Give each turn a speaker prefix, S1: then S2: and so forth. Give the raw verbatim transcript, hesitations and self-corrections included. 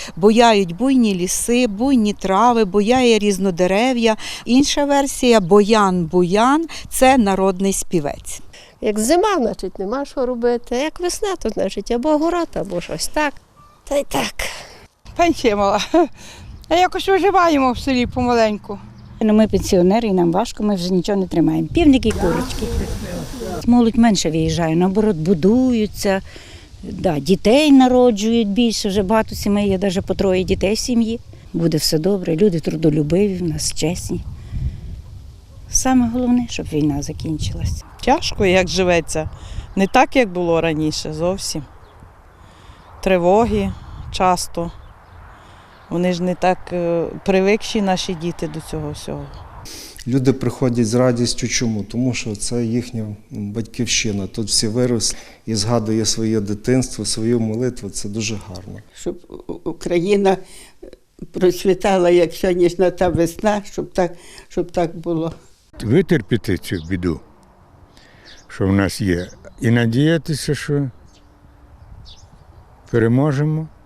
S1: бояють буйні ліси, буйні трави, бояє різнодерев'я. Інша версія – Боян-Буян – це народний співець.
S2: Як зима, значить, нема що робити, а як весна, то значить або город, або щось так. Та й так.
S3: Пенсія мала. А якось виживаємо в селі помаленьку.
S4: Ну, ми пенсіонери, і нам важко, ми вже нічого не тримаємо. Півники і курочки. Молодь менше виїжджає, наоборот, будуються, да, дітей народжують більше, вже багато сімей, є навіть по троє дітей в сім'ї. Буде все добре, люди трудолюбиві, в нас чесні. Саме головне, щоб війна закінчилась.
S5: Тяжко, як живеться. Не так, як було раніше, зовсім. Тривоги часто. Вони ж не так е, привикші, наші діти, до цього всього.
S6: Люди приходять з радістю. Чому? Тому що це їхня батьківщина. Тут всі виросли і згадує своє дитинство, свою молитву. Це дуже гарно.
S7: Щоб Україна процвітала, як сьогоднішня та весна, щоб так, щоб так було.
S8: Витерпіти цю біду, що в нас є, і надіятися, що переможемо.